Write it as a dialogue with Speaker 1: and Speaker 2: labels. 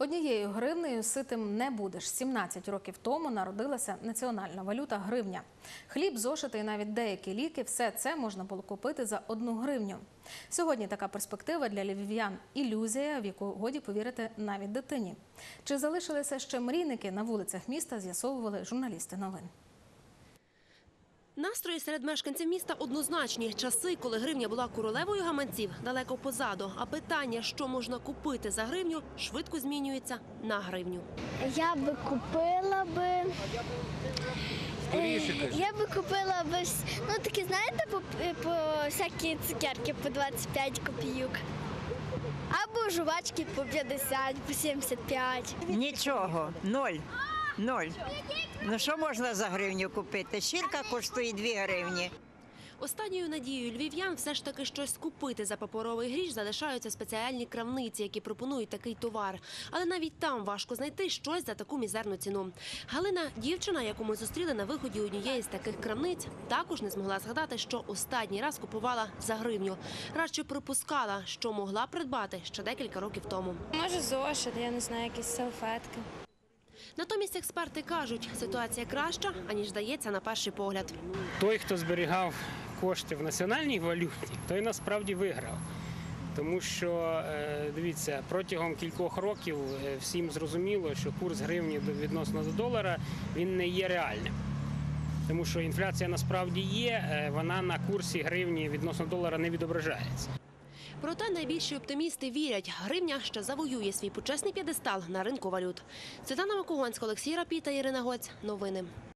Speaker 1: Однією гривнею ситим не будеш. 17 років тому народилася національна валюта – гривня. Хліб, зошити і навіть деякі ліки – все це можна було купити за 1 гривню. Сьогодні така перспектива для львів'ян – ілюзія, в яку годі повірити навіть дитині. Чи залишилися ще мрійники на вулицях міста, з'ясовували журналісти новин.
Speaker 2: Настрої серед мешканців міста однозначні. Часи, коли гривня була королевою гаманців, далеко позаду. А питання, що можна купити за гривню, швидко змінюється на гривню.
Speaker 3: Я би купила такі, знаєте, по всякі цукерки по 25 копійок. Або жувачки по 50, по 75.
Speaker 4: Нічого, ноль. Ну що можна за гривню купити? Шірка коштує 2 гривні.
Speaker 2: Останньою надією львів'ян все ж таки щось купити за паперовий гріш залишаються спеціальні крамниці, які пропонують такий товар. Але навіть там важко знайти щось за таку мізерну ціну. Галина, дівчина, яку ми зустріли на виході однієї з таких крамниць, також не змогла згадати, що останній раз купувала за гривню. Радше припускала, що могла придбати ще декілька років тому.
Speaker 3: Може зошит, я не знаю, якісь салфетки.
Speaker 2: Натомість експерти кажуть, ситуація краща, аніж здається на перший погляд.
Speaker 5: Той, хто зберігав кошти в національній валюті, той насправді виграв. Тому що, дивіться, протягом кількох років всім зрозуміло, що курс гривні відносно до долара, він не є реальним. Тому що інфляція насправді є, вона на курсі гривні відносно долара не відображається.
Speaker 2: Проте найбільші оптимісти вірять, гривня ще завоює свій почесний п'єдестал на ринку валют. Світлана Макогонська, Олексій Рапіта, Ірина Гоць. Новини.